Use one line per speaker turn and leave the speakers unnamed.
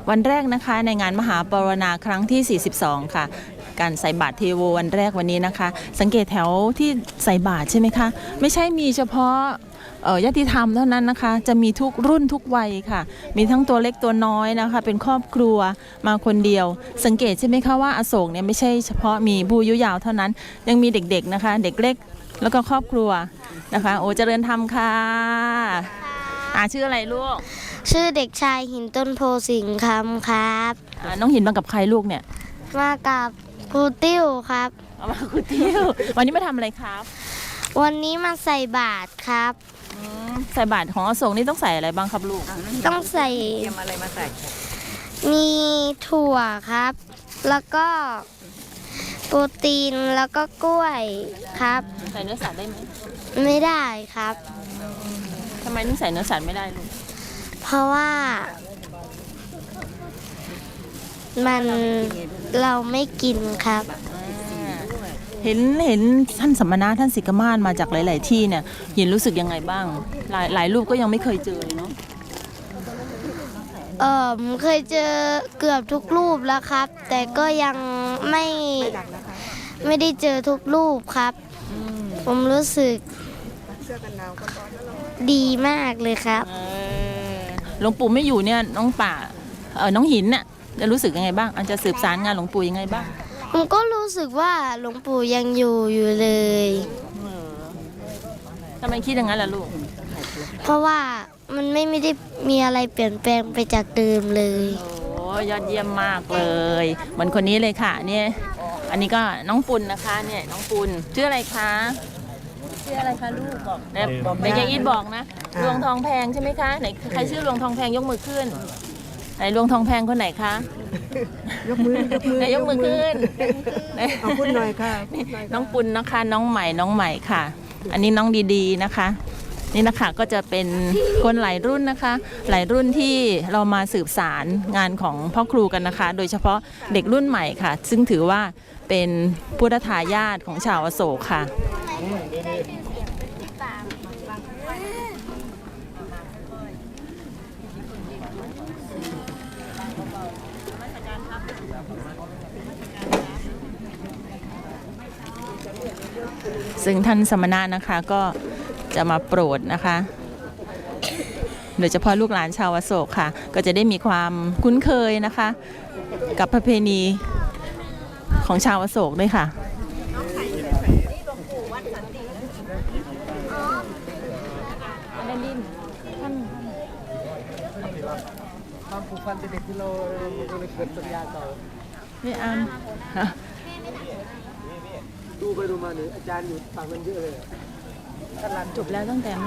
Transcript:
วันแรกนะคะในงานมหาปรณาครั้งที่ 42 ค่ะการใส่บาตรเทโววันแรกวันนี้นะคะสังเกตแถวที่ใส่บาตรใช่ไหมคะไม่ใช่มีเฉพาะญาติธรรมเท่านั้นนะคะจะมีทุกรุ่นทุกวัยค่ะมีทั้งตัวเล็กตัวน้อยนะคะเป็นครอบครัวมาคนเดียวสังเกตใช่ไหมคะว่าอโศกเนี่ยไม่ใช่เฉพาะมีผู้อายุยาวเท่านั้นยังมีเด็กๆนะคะเด็กเล็กแล้วก็ครอบครัวนะคะโอ้เจริญธรรมค่ะชื่ออะไรลูก
ชื่อเด็กชายหินต้นโพสิงห์คำครับ
น้องหินมากับใครลูกเนี่ย
มากับครูติ้วครับ
มาครูติ้ววันนี้มาทำอะไรครับ
วันนี้มาใส่บาตรครับ
ใส่บาตรของอโศกนี่ต้องใส่อะไรบ้างครับลูก
ต้องใส่
เตรียมอะไรมาใส่
มีถั่วครับแล้วก็โปรตีนแล้วก็กล้วยครับ
ใส่เนื้อสัตว์ได้ไหม
ไม่ได้ครับ
ทำไมถึงใส่เนื้อสัตว์ไม่ได้ลูก
เพราะว่ามันเราไม่กินครับ
เห็นท่านสัมมนาท่านศิกมาศมาจากหลายๆที่เนี่ยเห็นรู้สึกยังไงบ้างหลายรูปก็ยังไม่เคยเจอเนาะ
เคยเจอเกือบทุกรูปแล้วครับแต่ก็ยังไม่ได้เจอทุกรูปครับผมรู้สึกดีมากเลยครับ
หลวงปู่ไม่อยู่เนี่ยน้องหินน่ะจะรู้สึกยังไงบ้างจะสืบสารงานหลวงปู่ยังไงบ้าง
ผมก็รู้สึกว่าหลวงปู่ยังอยู่เลย
ทำไมคิดอย่างนั้นล่ะลูก
เพราะว่ามันไม่ได้มีอะไรเปลี่ยนแปลงไปจากเดิมเลย
โอ้ยอดเยี่ยมมากเลยเหมือนคนนี้เลยค่ะเนี่ยอันนี้ก็น้องปุณนะคะเนี่ยน้องปุณชื่ออะไรคะชื่ออะไรคะลูกบอกเด็กยังอีทบอกนะลวงทองแพงใช่ไหมคะไหนใครชื่อลวงทองแพงยกมือขึ้นไหนลวงทองแพงคนไหนคะ
ยกมือยก
มือขึ้น
เอาพูดหน่อยค่ะ
น้องปุณนะคะน้องใหม่ค่ะอันนี้น้องดีๆนะคะนี่นะคะก็จะเป็นคนหลายรุ่นนะคะหลายรุ่นที่เรามาสืบสารงานของพ่อครูกันนะคะโดยเฉพาะเด็กรุ่นใหม่ค่ะซึ่งถือว่าเป็นพุทธทายาทของชาวอโศกค่ะซึ่งท่านสมณะนะคะก็จะมาโปรดนะคะโดยเฉพาะลูกหลานชาวอโศกค่ะก็จะได้มีความคุ้นเคยนะคะกับประเพณีของชาวอโศกด้วยค่ะ
ความผูกพันเป็นเด็กที่เราเกิดสัญญาต่อ
นี่
ดูไปดูมาเนี่ยอาจารย์อยู่ฝั่งนั้นเยอะเลย
จบแล้วตั้งแต่